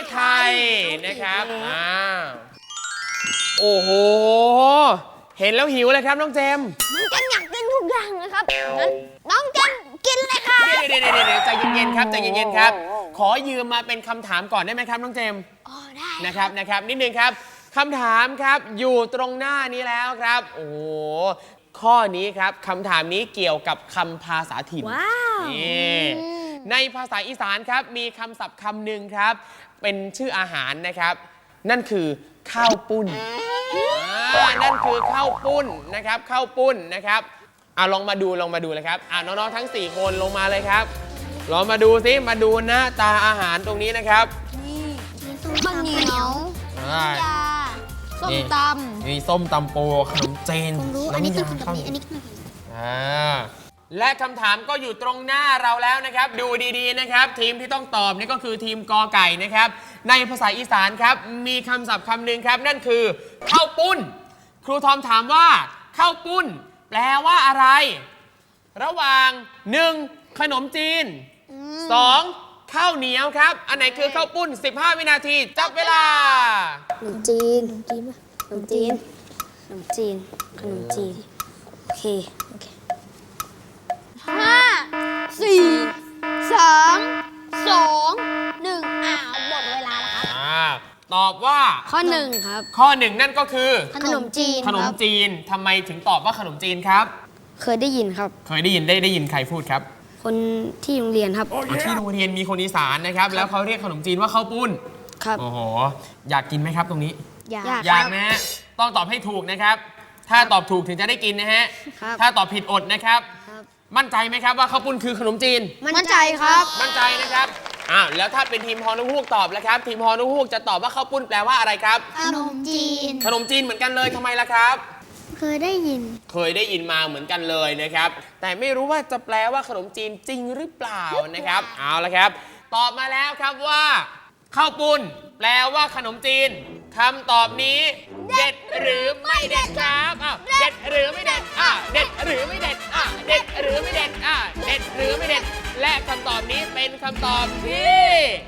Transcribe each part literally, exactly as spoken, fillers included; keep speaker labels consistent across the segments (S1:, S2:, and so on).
S1: ไทยนะครับอ่าโอ้โหเห็นแล้วหิวเลยครับน้องเจม
S2: น้องเจมอยากกินทุกอย่างเลยครับงั้นน้องเจมกินเลยค่ะ
S1: เดี๋ยวเดี๋ยวเดี๋ยวใจเย็นๆครับใจเย็นๆครับขอยืมมาเป็นคำถามก่อนได้ไหมครับน้องเจม
S2: อ๋อได้
S1: นะครับนะครับนิดนึงครับคำถามครับอยู่ตรงหน้านี้แล้วครับโอ้โหข้อนี้ครับคำถามนี้เกี่ยวกับคำภาษาถิ่น
S2: ว้าว
S1: นี่ในภาษาอีสานครับมีคำศัพท์คำหนึ่งครับเป็นชื่ออาหารนะครับนั่นคือข้าวปุ้นนั่นคือข้าวปุ้นนะครับข้าวปุ้นนะครับอ่ะลองมาดูลองมาดูเลยครับอ่ะน้องๆทั้งสี่คนลงมาเลยครับลองมาดูสิมาดูหน้าตาอาหารตรงนี้นะครับ
S2: นี่ข้าวเหนียวน้ำยาส้มตำ
S1: มีส้มตำปูขนมจีน
S2: อันนี้คือขนมจีนอันนี้คือ
S1: อ่าและคำถามก็อยู่ตรงหน้าเราแล้วนะครับดูดีๆนะครับทีมที่ต้องตอบนี่ก็คือทีมกอไก่นะครับในภาษาอีสานครับมีคำศัพท์คำหนึ่งครับนั่นคือข้าวปุ้นครูทอมถามว่าข้าวปุ้นแปลว่าอะไรระหว่างหนึ่งขนมจีนสองข้าวเหนียวครับอันไหนคือข้าวปุ้นสิบห้าวินาทีจับเวลา
S2: ขนมจีนขนมจีนขนมจีนขนมจีนโอเคโอเคห้าสี่สามสองหนึ่งอ้าวหมดเวลาแล้วครับ
S1: อ่าตอบว่า
S2: ข้อหนึ่งครับ
S1: ข้อหนึ่งนั่นก็คือ
S2: ขนมจีน
S1: ขนมจีนทำไมถึงตอบว่าขนมจีนครับ
S2: เคยได้ยินครับ
S1: เคยได้ยินได้ได้ยินใครพูดครับ
S2: คนที่โรงเรียนครับ
S1: ที่โรงเรียนมีคนอีสานนะครับแล้วเขาเรียกขนมจีนว่าข้าวปุ้น
S2: ครับ
S1: โอ้โหอยากกินไหมครับตรงนี้
S2: อยาก
S1: อยากนะฮะต้องตอบให้ถูกนะครับถ้าตอบถูกถึงจะได้กินนะฮะถ้าตอบผิดอดนะครับมั่นใจไหมครับว่าข้าวปุ้นคือขนมจีน
S2: มั่นใจครับ
S1: มั่นใจนะครับอ้าวแล้วถ้าเป็นทีมฮอนุฮูกตอบแล้วครับทีมฮอนุฮูกจะตอบว่าข้าวปุ้นแปลว่าอะไรครับ
S2: ขนมจีน
S1: ขนมจีนเหมือนกันเลยทำไมล่ะครับ
S2: เคยได้ยิน
S1: เคยได้ยินมาเหมือนกันเลยนะครับแต่ไม่รู้ว่าจะแปลว่าขนมจีนจริงหรือเปล่านะครับเอาละครับตอบมาแล้วครับว่าข้าวปุ้นแปลว่าขนมจีนคำตอบนี้เด็ดหรือไม่เด็ดครับอ่ะเด็ดหรือไม่เด็ดอ่ะเด็ดหรือไม่เด็ดอ่ะเด็ดหรือไม่เด็ดอ่ะเด็ดหรือไม่เด็ดและคำตอบนี้เป็นคำตอบที่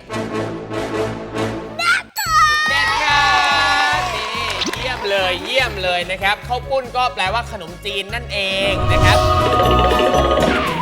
S1: เด็ดครับนี่เยี่ยมเลยเยี่ยมเลยนะครับข้าวปุ้นก็แปลว่าขนมจีนนั่นเองนะครับ